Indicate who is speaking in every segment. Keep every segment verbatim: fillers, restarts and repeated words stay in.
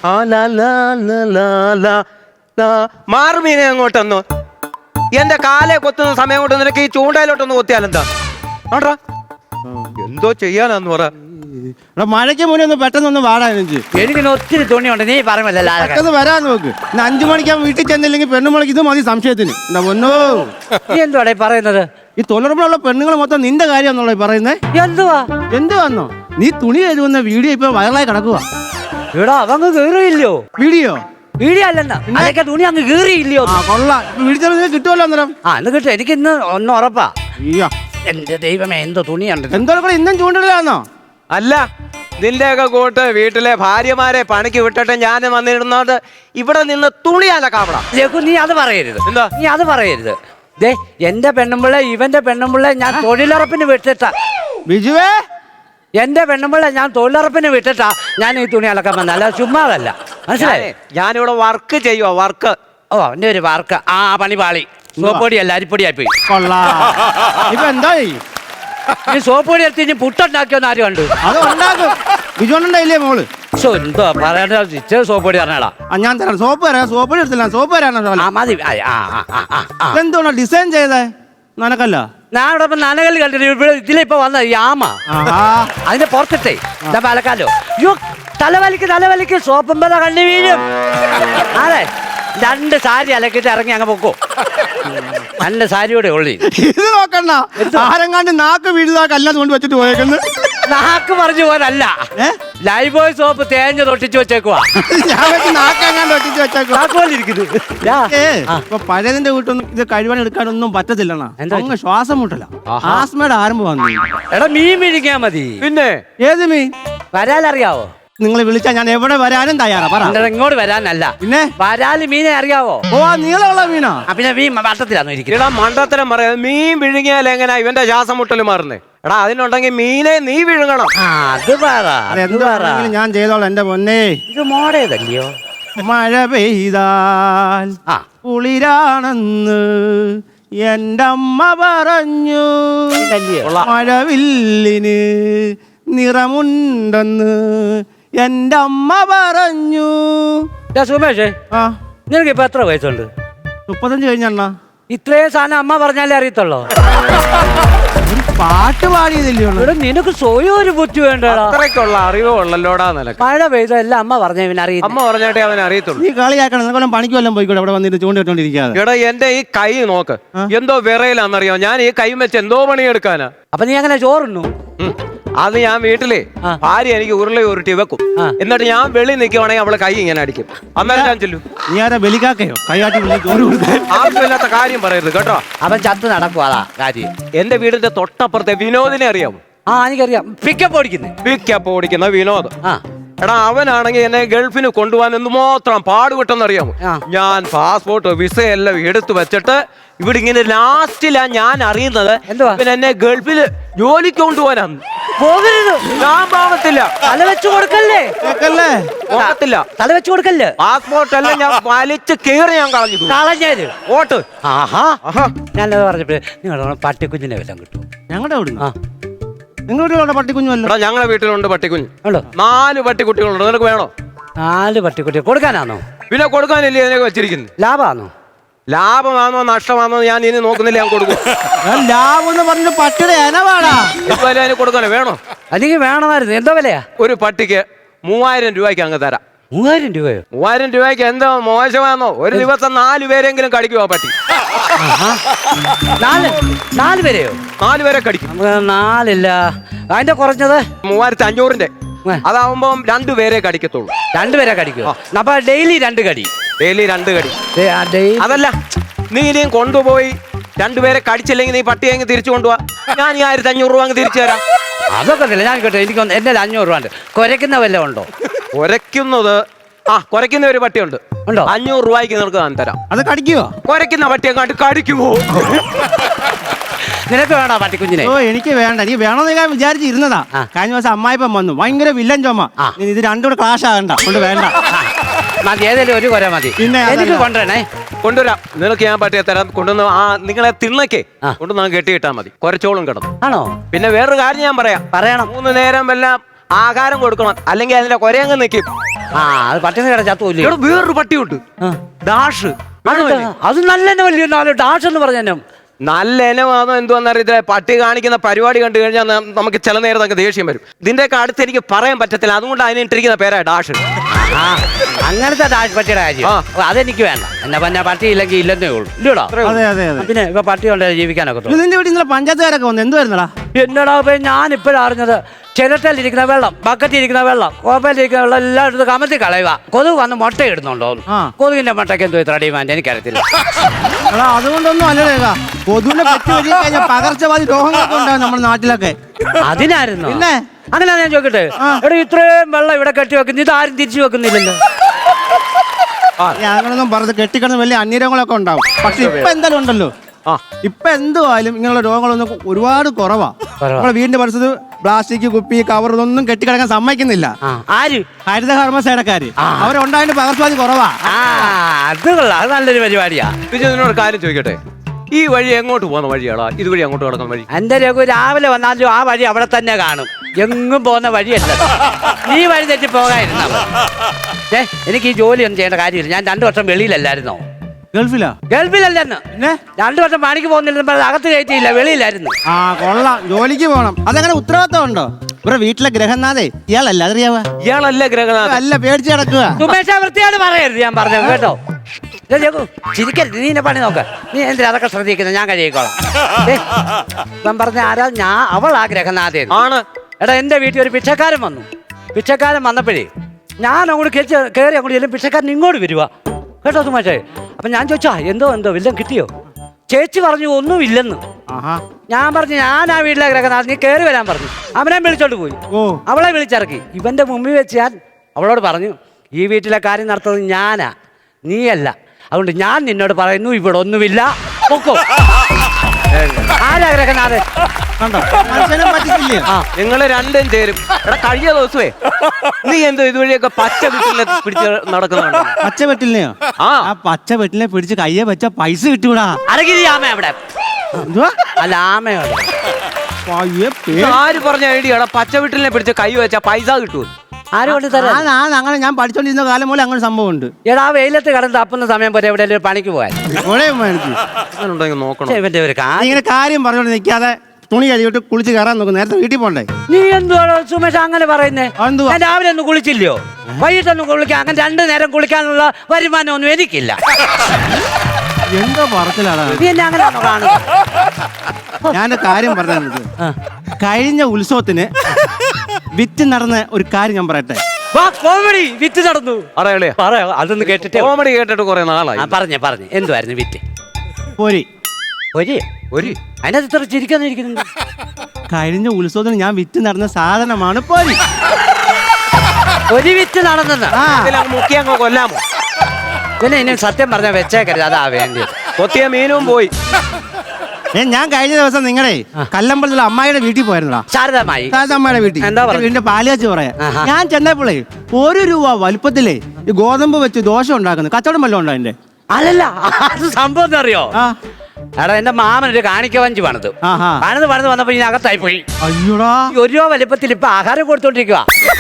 Speaker 1: മാറുമീനെ അങ്ങോട്ടൊന്നു എന്റെ കാലെ കൊത്തുന്ന സമയം കൊണ്ട് നിനക്ക് ഈ ചൂണ്ടയിലോട്ടൊന്ന് കൊത്തിയാലെന്താ ആണ്ടാ എന്തോ ചെയ്യാനാന്ന് പറ.
Speaker 2: മഴയ്ക്ക് മുന്നേ ഒന്ന് പെട്ടെന്നൊന്ന് വാടാ എനിക്ക്.
Speaker 3: എനിക്ക് ഒത്തിരി തുണിയുണ്ട്, നീ പറയുമല്ലോ
Speaker 2: പെട്ടെന്ന് വരാൻ നോക്ക്. അഞ്ചു മണിക്കാൻ വീട്ടിൽ ചെന്നില്ലെങ്കിൽ പെണ്ണുമുളക്ക് ഇത് മതി സംശയത്തിന്. എന്താ പൊന്നോ
Speaker 3: നീ എന്തുവാടേ പറയുന്നത്?
Speaker 2: ഈ തൊഴിലുറപ്പിലുള്ള പെണ്ണുങ്ങൾ മൊത്തം നിന്റെ കാര്യമാണെന്നുള്ള പറയുന്നേ.
Speaker 3: എന്തുവാ
Speaker 2: എന്തുവാന്നോ നീ തുണി എഴുതുന്ന വീഡിയോ ഇപ്പൊ വൈറലായി കിടക്കുക.
Speaker 3: ഇവിടെ അവങ്ങ് കേറിയില്ലയോ?
Speaker 2: വീഡിയോ
Speaker 3: വീഡിയോ അല്ലെന്നാ അതൊക്കെ തുണി അങ്ങ് കേറിയില്ലയോ?
Speaker 2: കൊള്ളാം, വീഡിയോ കിട്ടുമല്ലോ അന്നേരം.
Speaker 3: ആ എന്ന് കിട്ടും, എനിക്ക് ഇന്ന് ഒന്ന് ഉറപ്പാ.
Speaker 2: അയ്യോ
Speaker 3: എന്റെ ദൈവമേ, എന്തോ തുണിയുണ്ട്.
Speaker 2: എന്തോ കൂടെ ഇന്നും ചൂണ്ടിലാന്നോ?
Speaker 1: അല്ല, നിന്റെയൊക്കെ കൂട്ട് വീട്ടിലെ ഭാര്യമാരെ പണിക്ക് വിട്ടിട്ട് ഞാൻ വന്നിരുന്നത് ഇവിടെ നിന്ന് തുണി അലക്കാവണം.
Speaker 3: നീ അത് പറയരുത്.
Speaker 1: എന്താ
Speaker 3: നീ അത് പറയരുത്. ദേ എന്റെ പെണ്ണുമ്പിള്ള ഇവന്റെ പെണ്ണുമ്പിള്ള ഞാൻ തൊഴിലുറപ്പിന് വിട്ടിട്ടാ.
Speaker 2: ബിജുവേ,
Speaker 3: എന്റെ പെണ്ണുമ്പിള്ള ഞാൻ തൊഴിലുറപ്പിന് വിട്ടിട്ടാ ഞാൻ ഈ തുണി അലക്കാൻ വന്ന, അല്ല ചുമ്മാതല്ല. മനസ്സിലായേ?
Speaker 1: ഞാനിവിടെ വർക്ക് ചെയ്യുവാ, വർക്ക്.
Speaker 3: ഓ എന്റെ ഒരു വർക്ക്. ആ പണി പാളി. സോപ്പൊടിയല്ല അരിപ്പൊടിയായി പോയി.
Speaker 2: ഇപ്പൊ എന്താ
Speaker 3: ഈ സോപ്പൊടി എടുത്ത് ഇനി പുട്ടുണ്ടാക്കിയോന്ന് ആരും കണ്ടു?
Speaker 2: അത് ഉണ്ടാക്കും. ബിജുണ്ടായില്ലേ മോള്?
Speaker 3: എന്തോ പറയണ്ട, സോപ്പൊടി പറഞ്ഞാടാ.
Speaker 2: ഞാൻ തരാം. സോപ്പ് തരാം. സോപ്പൊടി എടുത്തില്ല, സോപ്പ് തരാനോ?
Speaker 3: മതി.
Speaker 2: ഇതെന്തോണോ ഡിസൈൻ ചെയ്തേ? നനക്കല്ല.
Speaker 3: ഞാൻ ഇവിടെ നനകല്ല് കണ്ടിട്ട് ഇവിടെ ഇതിലിപ്പോ വന്ന ഈ ആമ അതിന്റെ പുറത്തിട്ടേ അലക്കാലോ. യോ തലവലിക്ക് തലവലിക്ക് സോപ്പുമ്പോ കണ്ണു വീഴും. അതെ, രണ്ട് സാരി അലക്കിട്ട് ഇറങ്ങി അങ്ങ് പൊക്കോ. നല്ല സാരിയോടെ ഉള്ളി.
Speaker 2: ഇത് നോക്കണ്ട, ആരെങ്ങാണ്ട് നാക്ക് വീഴുതാ കല്ലാതെ കൊണ്ട് വെച്ചിട്ട് പോയേക്കുന്നു.
Speaker 3: നാക്ക് പറഞ്ഞു പോലല്ല, ലൈഫ് ബോയ് സോപ്പ് തേഞ്ഞ് തൊട്ടിച്ച് വെച്ചേക്കുവാ.
Speaker 2: നാക്കെങ്ങാണ്ട് ഒട്ടിച്ച് വെച്ചേക്കുവാ. പഴയതിന്റെ വീട്ടൊന്നും ഇത് കഴിവാൻ എടുക്കാനൊന്നും പറ്റത്തില്ലണ്ണ. അങ്ങ് ശ്വാസം മുട്ടല, ആസ്മയുടെ ആരംഭം വന്നു.
Speaker 3: എടാ മീൻ പിടിക്കാ മതി.
Speaker 1: പിന്നെ
Speaker 3: ഏത് മീൻ വരാലറിയാവോ?
Speaker 2: നിങ്ങൾ വിളിച്ചാൽ ഞാൻ എവിടെ വരാനും തയ്യാറാ. പറ.
Speaker 3: ഇങ്ങോട്ട് വരാനല്ല,
Speaker 2: പിന്നെ
Speaker 3: വരാല് മീനെ അറിയാവോ?
Speaker 2: ഓ നീളമുള്ള മീനാ.
Speaker 3: പിന്നെ മീൻ വട്ടത്തിലാണോ ഇരിക്കുന്നത്?
Speaker 1: എടാ മണ്ടത്തരം പറയാ. മീൻ വിഴുങ്ങിയാൽ എങ്ങനെയാ ഇവന്റെ ശ്വാസം മുട്ടല് മാറുന്നേ? എടാ അതിനുണ്ടെങ്കിൽ മീനെ നീ വിഴുങ്ങണം.
Speaker 3: അത് പറ.
Speaker 2: ഞാൻ ചെയ്തോളാം എന്റെ പൊന്നേ.
Speaker 3: ഇത് മോടേതല്ലയോ?
Speaker 2: മഴ പെയ്താൽ കുളിരാണെന്ന് എന്റെ അമ്മ പറഞ്ഞു, മഴവില്ലിന് നിറമുണ്ടെന്ന് എന്റെ അമ്മ പറഞ്ഞു.
Speaker 3: സുമേഷേ, നിനക്ക് ഇപ്പൊ എത്ര വയസ്സുണ്ട്?
Speaker 2: മുപ്പത്തഞ്ച് കഴിഞ്ഞണ്ണ.
Speaker 3: ഇത്രയും സാധനം അമ്മ പറഞ്ഞാലേ അറിയത്തുള്ളോ?
Speaker 2: പാട്ട് പാടിയതല്ലേ?
Speaker 3: നിനക്ക് സ്വയം ഒരു ബുദ്ധി വേണ്ടടാ.
Speaker 1: അത്രയ്ക്കുള്ള അറിവ് ഉള്ളല്ലോടാ നിനക്ക്.
Speaker 3: മഴ പെയ്തല്ല അമ്മ പറഞ്ഞ ഇവൻ അറിയാം.
Speaker 1: അമ്മ പറഞ്ഞിട്ടേ അവൻ അറിയത്തുള്ളൂ.
Speaker 2: നീ കളിയാക്കണം. നിനക്കൊല്ലം പണിക്ക് വല്ലതും പോയിക്കോട്ടെ, അവിടെ വന്നിട്ട് ചൂണ്ടിട്ടോണ്ടിരിക്കാതെ.
Speaker 1: എടാ എന്റെ ഈ കൈ നോക്ക്, എന്തോ വിറയിലാന്നറിയോ? ഞാൻ ഈ കൈ വെച്ച് എന്തോ പണിയെടുക്കാനാ.
Speaker 3: അപ്പൊ നീ അങ്ങനെ ചോറുണ്ണു?
Speaker 1: അത് ഞാൻ വീട്ടിലെ ഭാര്യ എനിക്ക് ഉരുളി ഉരുട്ടി വെക്കും. എന്നിട്ട് ഞാൻ വെളി നിൽക്കുവാണെങ്കിൽ അവളെ കൈ ഇങ്ങനെ അടിക്കും. അന്നേരം ഞാൻ ചെല്ലും.
Speaker 2: നീ ആരാ ബലിക്കാക്കയോ? കൈയാട്ടി
Speaker 1: ആവശ്യമില്ലാത്ത കാര്യം പറയരുത് കേട്ടോ.
Speaker 3: അവൻ ചത്ത് നടക്കും, അതാ കാര്യം.
Speaker 1: എന്റെ വീടിന്റെ തൊട്ടപ്പുറത്തെ വിനോദിനെ അറിയാമോ?
Speaker 3: ആ എനിക്കറിയാം. പിക്കപ്പ് ഓടിക്കുന്നത്
Speaker 1: പിക്കപ്പ് ഓടിക്കുന്ന വിനോദ്. എടാ അവനാണെങ്കിൽ എന്നെ ഗൾഫിന് കൊണ്ടുപോകാൻ എന്തുമാത്രം പാടുപെട്ടെന്നറിയാമോ? ഞാൻ പാസ്പോർട്ട് വിസ എല്ലാം എടുത്തു വെച്ചിട്ട് ഇവിടെ ഇങ്ങനെ ലാസ്റ്റിലാ ഞാൻ അറിയുന്നത് പിന്നെ എന്നെ ഗൾഫില് ജോലിക്ക് കൊണ്ടുപോകാനാണ്.
Speaker 3: പോകരുത്,
Speaker 1: ഞാൻ പോകത്തില്ല.
Speaker 3: തല വെച്ച് കൊടുക്കല്ലേ?
Speaker 1: പോകത്തില്ല,
Speaker 3: തല വെച്ച് കൊടുക്കല്ലേ?
Speaker 1: പാസ്പോർട്ട് എല്ലാം ഞാൻ വലിച്ച് കീറി ഞാൻ കളഞ്ഞു
Speaker 3: കളഞ്ഞത്
Speaker 1: ഓട്ട്.
Speaker 3: ആഹാ, ഞാനത് പറഞ്ഞപ്പോ നിങ്ങളുടെ പട്ടിക്കുഞ്ഞിനെ വല്ലതും കിട്ടും?
Speaker 2: ഞങ്ങളുടെ അവിടെ നിങ്ങളുടെ പട്ടിക്കുഞ്ഞുമല്ലോ.
Speaker 1: ഞങ്ങളുടെ വീട്ടിലുണ്ട് പട്ടിക്കുഞ്ഞ്. നാല് പട്ടിക്കുട്ടികളുണ്ട്. നിനക്ക് വേണോ?
Speaker 3: നാല് പട്ടിക്കുട്ടി കൊടുക്കാനാണോ?
Speaker 1: പിന്നെ കൊടുക്കാനില്ലേ ഇതിനൊക്കെ വെച്ചിരിക്കുന്നത്?
Speaker 3: ലാഭമാണോ?
Speaker 1: ലാഭമാണോ നഷ്ടമാണോ ഞാൻ ഇനി നോക്കുന്നില്ല. ഞാൻ കൊടുക്കും.
Speaker 2: ലാഭം എന്ന് പറഞ്ഞ പട്ടിയുടെ ഇനവാടാ.
Speaker 1: അതിന് കൊടുക്കാനോ? വേണോ?
Speaker 3: അല്ലെങ്കിൽ വേണമായിരുന്നു. എന്തോ വിലയാ?
Speaker 1: ഒരു പട്ടിക്ക് മൂവായിരം രൂപയ്ക്ക് അങ്ങ് തരാം.
Speaker 3: മൂവായിരം രൂപയോ?
Speaker 1: മൂവായിരം രൂപയ്ക്ക് എന്തോ മോശമാണോ? ഒരു ദിവസം നാല് പേരെങ്കിലും കടിക്കുമോ പട്ടി?
Speaker 3: നാല് നാല് പേരെയോ?
Speaker 1: നാല് പേരെ കടിക്കും.
Speaker 3: നാലില്ല, അതിന്റെ കുറഞ്ഞത്
Speaker 1: മൂവായിരത്തി അഞ്ഞൂറിന്റെ. അതാവുമ്പോ രണ്ടുപേരെ കടിക്കത്തുള്ളൂ.
Speaker 3: രണ്ടുപേരെ കടിക്കുമോ? അപ്പൊ ഡെയിലി രണ്ട് കടി.
Speaker 1: ഡെയിലി രണ്ട് കടി. അതല്ല, നീ ഇനിയും കൊണ്ടുപോയി രണ്ടുപേരെ കടിച്ചില്ലെങ്കിൽ നീ പട്ടിയെ അങ്ങ് തിരിച്ചു കൊണ്ടുപോവാ. ഞാൻ ഈ ആയിരത്തി അഞ്ഞൂറ് രൂപ അങ്ങ് തിരിച്ചു തരാം.
Speaker 3: അതൊക്കെ ഇല്ല, ഞാൻ കേട്ടോ. എനിക്ക് എന്റെ അഞ്ഞൂറ് രൂപ ഉണ്ട്. കുരയ്ക്കുന്ന വല്ലതും ഉണ്ടോ?
Speaker 1: കുരയ്ക്കുന്നത് ആ കുരയ്ക്കുന്ന ഒരു പട്ടിയുണ്ട്. ഉണ്ടോ? അഞ്ഞൂറ് രൂപയ്ക്ക് നിനക്ക് ഞാൻ തരാം.
Speaker 2: അത് കടിക്കുവോ?
Speaker 1: കുരയ്ക്കുന്ന പട്ടിയെ കണ്ട് കടിക്കുമോ?
Speaker 3: നിനക്ക് വേണോ പട്ടിക്കുഞ്ഞിനെ?
Speaker 2: ഓ എനിക്ക് വേണ്ട. നീ വേണമെന്ന് ഞാൻ വിചാരിച്ചിരുന്നതാ. കഴിഞ്ഞ ദിവസം അമ്മായിപ്പം വന്നു, ഭയങ്കര വില്ലൻ ചുമ. ഇത് രണ്ടും കൂടെ ക്ലാഷ് ആകണ്ട, കൊണ്ട് വേണ്ട.
Speaker 3: മതി, ഏതെങ്കിലും ഒരു കുര മതി. പിന്നെ എനിക്ക് കൊണ്ടുവരണേ.
Speaker 1: കൊണ്ടുവരാം. നിനക്ക് ഞാൻ പട്ടിയെ തരാം. കൊണ്ടുവന്ന് ആ നിങ്ങളെ തിണ്ണയ്ക്ക് കൊണ്ടുവന്ന് കെട്ടിയിട്ടാ മതി. കുരച്ചോളും കിടന്നു.
Speaker 3: ആണോ?
Speaker 1: പിന്നെ വേറൊരു കാര്യം ഞാൻ പറയാം.
Speaker 3: പറയണം.
Speaker 1: മൂന്ന് നേരം എല്ലാം ആഹാരം കൊടുക്കണം, അല്ലെങ്കിൽ അതിന്റെ കുരയങ്ങ് നിൽക്കും.
Speaker 3: ആ അത് പട്ടിണി കിട ചത്തൂല്ലേ
Speaker 1: ഇവിടെ വേറൊരു പട്ടിയുണ്ട്, ഡാഷ്.
Speaker 3: അത് നല്ല വലിയ ഡാഷ് എന്ന് പറഞ്ഞു.
Speaker 1: നല്ല ഇനമാണോ എന്തോന്ന് അറിയത്തില്ല. പട്ടി കാണിക്കുന്ന പരിപാടി കണ്ടു കഴിഞ്ഞാൽ ന- നമുക്ക് ചില നേരത്തൊക്കെ ദേഷ്യം വരും. ഇതിന്റെയൊക്കെ അടുത്ത് എനിക്ക് പറയാൻ പറ്റത്തില്ല, അതുകൊണ്ട് അതിനിട്ടിരിക്കുന്ന പേരാ ഡാഷ്.
Speaker 3: ആ അങ്ങനത്തെ ഡാഷ് പട്ടിയുടെ കാര്യം
Speaker 1: ആ.
Speaker 3: ഓ, അതെനിക്ക് വേണ്ട. എന്നാ പിന്നെ പട്ടി ഇല്ലെങ്കിൽ ഇല്ലെന്നേ ഉള്ളൂ, ഇല്ലടാ.
Speaker 2: അതെ അതെ അതെ.
Speaker 3: പിന്നെ ഇപ്പൊ പട്ടി കൊണ്ട് ജീവിക്കാനൊക്കെ
Speaker 2: ഇത് നിന്റെ വീട്ടിൽ ഇന്നലെ പഞ്ചായത്തുകാരൊക്കെ വന്നു, എന്ത് വരുന്നടാ?
Speaker 3: എന്നടാ ഞാൻ ഇപ്പോഴാണ് അറിഞ്ഞത്. ചിരട്ടയിലിരിക്കുന്ന വെള്ളം, ബക്കറ്റിരിക്കുന്ന വെള്ളം, കോപ്പയിലിരിക്കുന്ന വെള്ളം എല്ലാം എടുത്ത് കമത്തി കളയുക. കൊതുക് വന്ന് മുട്ട ഇടുന്നുണ്ടോ?
Speaker 2: ആ.
Speaker 3: കൊതുകിന്റെ മുട്ടയ്ക്ക് എന്തോ ഇത്ര ഡിമാൻഡ് എനിക്കറിയത്തില്ല.
Speaker 2: എടാ അതുകൊണ്ടൊന്നും അല്ലടേക്കാ, കൊതുവിനെ പറ്റി വഴി കഴിഞ്ഞാൽ പകർച്ചവാദി രോഗങ്ങളൊക്കെ ഉണ്ടാവും നമ്മുടെ നാട്ടിലൊക്കെ.
Speaker 3: അതിനായിരുന്നു
Speaker 2: പിന്നെ
Speaker 3: അങ്ങനെ ഞാൻ ചോദിക്കട്ടെ, എടാ ഇത്രയും വെള്ളം ഇവിടെ കെട്ടി വെക്കുന്നു, ഇത് ആരും തിരിച്ചു വെക്കുന്നില്ലല്ലോ.
Speaker 2: അങ്ങനൊന്നും പറഞ്ഞത് കെട്ടിക്കിടന്ന് വലിയ അന്യരോഗങ്ങളൊക്കെ ഉണ്ടാവും. പക്ഷെ ഇപ്പൊ എന്തായാലും ഉണ്ടല്ലോ,
Speaker 1: ആ
Speaker 2: ഇപ്പൊ എന്തുവായാലും ഇങ്ങനെയുള്ള രോഗങ്ങളൊന്നും ഒരുപാട് കുറവാ. നമ്മളെ വീടിന്റെ പരിസരത്ത് പ്ലാസ്റ്റിക് കുപ്പി കവർ ഇതൊന്നും കെട്ടിക്കിടക്കാൻ സമ്മതിക്കുന്നില്ല.
Speaker 3: ആ, ആര്?
Speaker 2: ഹരിതകർമ്മ സേനക്കാര് അവരുണ്ടായിട്ട് പകർച്ചവാദി കുറവാ.
Speaker 3: ആ അത് കൊള്ളാം, അത് നല്ലൊരു പരിപാടിയാ.
Speaker 1: വിജയ്, ഇതിനോട് കാര്യം ചോദിക്കട്ടെ, ഈ വഴി എങ്ങോട്ട് പോകുന്ന വഴിയാടാ? ഇതുവഴി അങ്ങോട്ട് കിടക്കുന്ന വഴി?
Speaker 3: എന്റെ രഘു രാവിലെ വന്നാലും ആ വഴി അവിടെ തന്നെ കാണും, എങ്ങും പോകുന്ന വഴിയല്ല. നീ വഴി തെറ്റി പോകാതിരുന്നാ മതി. ഏ എനിക്ക് ഈ ജോലിയൊന്നും ചെയ്യേണ്ട കാര്യമില്ല. ഞാൻ രണ്ടു വർഷം വെളിയിലല്ലായിരുന്നോ?
Speaker 2: ഗൾഫിലാ?
Speaker 3: ഗൾഫിലല്ലെന്ന്.
Speaker 2: പിന്നെ
Speaker 3: രണ്ടു വർഷം പണിക്ക് പോകുന്നില്ല, അകത്ത് കയറ്റിയില്ല, വെളിയിലായിരുന്നു.
Speaker 2: ആ കൊള്ളാം, ജോലിക്ക് പോണം. അതങ്ങനെ ഉത്തരവാദിത്തം ഉണ്ടോ? ഇവരുടെ വീട്ടിലെ ഗ്രഹനാഥേ ഇയാളല്ല, അതറിയാവാ?
Speaker 1: ഇയാളല്ല ഗ്രഹനാഥൻ.
Speaker 2: അല്ല, പേടിച്ച് കിടക്കുക.
Speaker 3: സുമേഷ വൃത്തിയോട് പറയരുത്, ഞാൻ പറഞ്ഞത് കേട്ടോ. ദേ രഘു, ചിരിക്കരുത്, നീ എന്നെ പണി നോക്ക. നീ എന്തിനാ അതൊക്കെ ശ്രദ്ധിക്കുന്നത്? ഞാൻ കഴിയിക്കോളാം. ദേ, ഞാൻ പറഞ്ഞ ആരാ? ഞാൻ അവൾ ആ ഗ്രഹനാഥേ
Speaker 1: ആണ്.
Speaker 3: എടാ എന്റെ വീട്ടിൽ ഒരു പിച്ചക്കാരൻ വന്നു. പിച്ചക്കാരൻ വന്നപ്പോഴേ ഞാൻ അങ്ങോട്ട് കയറി കയറി അങ്ങോട്ട് ചെല്ലും, പിച്ചക്കാരൻ ഇങ്ങോട്ട് വരുവാ കേട്ടോ സുമേഷേ. അപ്പൊ ഞാൻ ചോദിച്ചാ എന്തോ എന്തോ വല്ലതും കിട്ടിയോ? ചേച്ചി പറഞ്ഞു ഒന്നുമില്ലെന്ന്.
Speaker 2: ആഹാ.
Speaker 3: ഞാൻ പറഞ്ഞു ഞാൻ ആ വീട്ടിലെ ഗ്രഹനാഥൻ, നീ കയറി വരാൻ പറഞ്ഞു. അവനെ വിളിച്ചോണ്ട് പോയി,
Speaker 2: ഓ
Speaker 3: അവളെ വിളിച്ചിറക്കി. ഇവന്റെ മുമ്പിൽ വെച്ച് ഞാൻ അവളോട് പറഞ്ഞു, ഈ വീട്ടിലെ കാര്യം നടത്തുന്നത് ഞാനാ, നീയല്ല. അതുകൊണ്ട് ഞാൻ നിന്നോട് പറയുന്നു, ഇവിടെ ഒന്നുമില്ല, പൊക്കോ. ആരാ ഗ്രഹനാഥൻ?
Speaker 2: കണ്ടോ, മനുഷ്യനെ പറ്റിക്കില്ലേ?
Speaker 3: ആ
Speaker 1: നിങ്ങള് രണ്ടും ചേരും. എടാ കഴിഞ്ഞ ദിവസമേ നീ എന്തോ ഇതുവഴിയൊക്കെ പച്ച വീട്ടിലെ പിടിച്ച് നടക്കുന്നുണ്ടോ?
Speaker 2: പച്ച വെട്ടിലിനെയോ?
Speaker 1: ആ
Speaker 2: ആ പച്ച വെട്ടിലിനെ പിടിച്ച് കയ്യെ വെച്ച പൈസ കിട്ടൂടാ.
Speaker 3: അരകിരി ആമ അവിടെ.
Speaker 2: എന്തുവാ?
Speaker 3: അല്ല ആമയോ?
Speaker 2: പയ്യെ
Speaker 1: ഇത് ആര് പറഞ്ഞ ഐഡിയ? പച്ച വീട്ടിലെ പിടിച്ച് കൈ വെച്ചാ പൈസ കിട്ടുമോ?
Speaker 3: ആരും കൊണ്ട് തരാം.
Speaker 2: ആ, ആ, അങ്ങനെ ഞാൻ പഠിച്ചോണ്ടിരുന്ന കാലം പോലെ അങ്ങനെ സംഭവം ഉണ്ട്.
Speaker 3: എടാ വെയിലത്ത് കിടന്ന് തപ്പുന്ന സമയം പോലെ എവിടെ പണിക്ക് പോയാൽ
Speaker 1: അങ്ങനെയുണ്ടെങ്കിൽ നോക്കണം.
Speaker 3: ഇവന്റെ ഒരു കാര്യം.
Speaker 2: ഇങ്ങനെ കാര്യം പറഞ്ഞോണ്ട് നിൽക്കാതെ തുണി കഴുകിട്ട് കുളിച്ച് കയറാൻ നോക്കും. നേരത്തെ വീട്ടിൽ പോണ്ടേ?
Speaker 3: നീ എന്തുവാണോ സുമേഷ് അങ്ങനെ പറയുന്നേ?
Speaker 2: അതെന്തുവാ?
Speaker 3: ഞാൻ രാവിലെ ഒന്നും കുളിച്ചില്ലയോ, വൈകിട്ടൊന്നും കുളിക്കാൻ, അങ്ങനെ രണ്ടു നേരം കുളിക്കാനുള്ള വരുമാനം ഒന്നും എനിക്കില്ല.
Speaker 2: എന്തോ പറച്ചിലാണ്.
Speaker 3: നീ എന്നെ അങ്ങനെ കാണുന്നു.
Speaker 2: ഞാൻ കാര്യം പറഞ്ഞത്, കഴിഞ്ഞ ഉത്സവത്തിന് വിറ്റ് നടന്ന ഒരു കാര്യം ഞാൻ പറയട്ടെ.
Speaker 3: കോമഡി വിറ്റ് നടന്നു.
Speaker 1: അറിയാളേ,
Speaker 3: പറയാ അതൊന്ന് കേട്ടിട്ട്.
Speaker 1: കോമഡി കേട്ടിട്ട് കുറെ നാളായി.
Speaker 3: പറഞ്ഞേ പറഞ്ഞേ എന്തുവായിരുന്നു വിറ്റ്?
Speaker 2: പോരി
Speaker 3: ഒരു
Speaker 1: ഒരു
Speaker 3: അതിനകത്ത് ഇത്ര ചിരിക്കാന്നിരിക്കുന്നുണ്ട്.
Speaker 2: കഴിഞ്ഞ ഉത്സവത്തിന് ഞാൻ വിറ്റ് നടന്ന സാധനമാണ് പോരി.
Speaker 3: ഒരു വിറ്റ് നടന്നെന്ന്
Speaker 2: ആ
Speaker 1: മുക്കി അങ്ങ് കൊല്ലാമോ?
Speaker 3: പിന്നെ ഇനി സത്യം പറഞ്ഞാൽ വെച്ചേക്കരുത്, അതാ വേണ്ടി.
Speaker 1: കൊത്തിയ മീനും പോയി.
Speaker 2: ഏ, ഞാൻ കഴിഞ്ഞ ദിവസം നിങ്ങളെ കല്ലമ്പലത്തിലെ അമ്മായിയുടെ വീട്ടിൽ പോയിരുന്നടാ.
Speaker 3: ശാരദമായി
Speaker 2: അമ്മയുടെ വീട്ടിൽ.
Speaker 3: എന്താ പറഞ്ഞത്?
Speaker 2: വീടിന്റെ പാലുകാച്ചി പറയാ.
Speaker 3: ആഹാ.
Speaker 2: ഞാൻ ചെന്നപ്പോഴേ ഒരു രൂപ വലുപ്പത്തിലേ ഈ ഗോതമ്പ് വെച്ച് ദോശ ഉണ്ടാക്കുന്നത് കച്ചവടം വല്ലതും ഉണ്ടോ അതിന്റെ?
Speaker 3: അല്ലല്ല, അത് സംഭവം എന്താ അറിയോ?
Speaker 2: ആ
Speaker 3: എടാ എന്റെ മാമൻ ഒരു കാണിക്ക വഞ്ചി പണിത്
Speaker 2: ആഹാ.
Speaker 3: പണിത് പണിത് വന്നപ്പോ ഇനി അകത്തായി പോയി.
Speaker 2: അയ്യോടാ,
Speaker 3: ഈ ഒരു രൂപ വലിപ്പത്തിൽ ഇപ്പൊ ആഹാരം കൊടുത്തോണ്ടിരിക്കുക.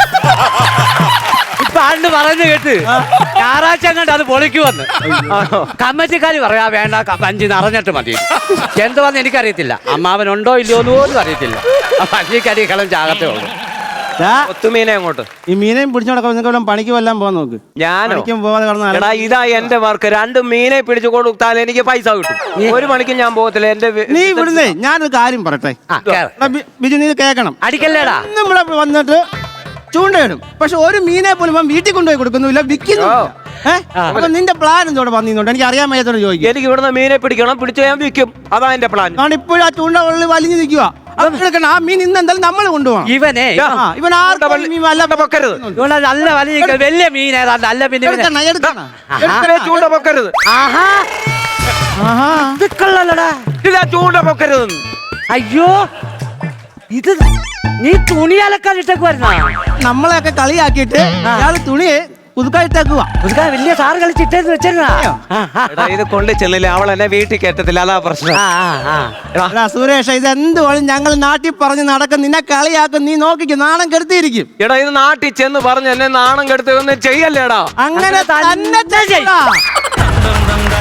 Speaker 3: ഇപ്പൊ ആണ്ട് പറയുന്നത് കേട്ട് ഞായറാഴ്ച അങ്ങോട്ട് അത് പൊളിക്ക് വന്ന് കമ്മറ്റിക്കാര് പറയാ വേണ്ട ക- വഞ്ചി നിറഞ്ഞിട്ട് മതി. എന്തുവന്ന് എനിക്കറിയത്തില്ല, അമ്മാവനുണ്ടോ ഇല്ലയോ എന്ന് പോലും അറിയത്തില്ല. വഞ്ചിക്കരി കളം ചാകത്തേ ഉള്ളൂ.
Speaker 2: ദാ,
Speaker 1: കൊത്തുമീനെ അങ്ങോട്ട്.
Speaker 2: ഈ മീനെയും പിടിച്ചു നടക്കാൻ നിങ്ങൾക്ക് പണിക്ക് വല്ലാൻ പോകാൻ നോക്ക്.
Speaker 1: ഞാനോ?
Speaker 2: പണിക്കും പോവാതെ കിടന്ന
Speaker 1: എടാ ഇതാ എന്റെ വർക്ക്. രണ്ട് മീനെ പിടിച്ചു കൊടുത്താൽ എനിക്ക് പൈസ കിട്ടും. ഒരു മണിക്ക് ഞാൻ പോകത്തില്ല. എന്റെ വി-
Speaker 2: നീ ഇവിടുന്നേ ഞാനൊരു കാര്യം പറയട്ടെ.
Speaker 3: ആ, കേറ്.
Speaker 2: എടാ, ബി- ബിജു നീ ഇത് കേൾക്കണം.
Speaker 3: അടിക്കല്ലേടാ.
Speaker 2: ഇന്ന് ഇവിടെ വന്നിട്ട് ചൂണ്ടയിടും, പക്ഷെ ഒരു മീനെ പോലും അവൻ വീട്ടിൽ കൊണ്ടുപോയി കൊടുക്കുന്നില്ല, വിൽക്കുന്നു. ഏഹ് അപ്പൊ നിന്റെ പ്ലാൻ എന്തോടെ വന്നിരുന്നോണ്ട് എനിക്ക് അറിയാൻ വയ്യാത്തോട് ചോദിക്കും.
Speaker 1: എനിക്ക് ഇവിടുന്ന് മീനെ പിടിക്കണം, പിടിച്ച് ഞാൻ വിൽക്കും. അതാ എന്റെ പ്ലാൻ.
Speaker 2: കാരണം ഇപ്പോഴും ആ ചൂണ്ട ഉള്ളിൽ വലിഞ്ഞു നിൽക്കുക. ആ മീൻ ഇന്ന് എന്തായാലും നമ്മൾ കൊണ്ടുപോകണം.
Speaker 3: ഇവനെ
Speaker 2: ആ, ഇവൻ ആർക്കും മീൻ വല്ല
Speaker 1: പൊക്കരുത്.
Speaker 3: ഇവനെ നല്ല വലിയ വലിയ മീൻ ഏതാണ്ട് അല്ല പിന്നെ ഇവനെ-
Speaker 2: എടുക്കണം, എടുക്കണം.
Speaker 1: എടുക്കണേ, ചൂണ്ട പൊക്കരുത്.
Speaker 3: ആഹാ
Speaker 2: ആഹാ.
Speaker 3: ഇത് കൊള്ളാലടാ.
Speaker 1: ഇതാ ചൂണ്ട പൊക്കരുത്.
Speaker 3: അയ്യോ ഇത് നീ തുണി അലക്കാൻ ഇട്ടേക്ക് വരുന്ന
Speaker 2: നമ്മളെയൊക്കെ കളിയാക്കിയിട്ട് ഇയാള് തുണി പുതുക്കായിട്ടേക്കുവാ.
Speaker 3: പുതുക്കാൻ വലിയ സാറ് കളിച്ചിട്ടേന്ന് വെച്ചിരുന്നാ. ആ, ആ,
Speaker 1: എടാ ഇത് കൊണ്ട് ചെന്നില്ല, അവൾ എന്നെ വീട്ടിൽ കയറ്റത്തില്ല, അതാ പ്രശ്നം.
Speaker 3: ആ, ആ, ആ.
Speaker 2: എടാ സുരേഷ്, ഇത് എന്തുവാളും ഞങ്ങൾ നാട്ടിൽ പറഞ്ഞ് നടക്കും, നിന്നെ കളിയാക്കും, നീ നോക്കിക്കും, നാണം കെടുത്തിയിരിക്കും.
Speaker 1: എടാ ഇത് നാട്ടിൽ ചെന്ന് പറഞ്ഞ് എന്നെ നാണം കെടുത്ത് ഒന്നും ചെയ്യല്ലേടാ.
Speaker 2: അങ്ങനെ തന്നെ ചെയ്യടാ.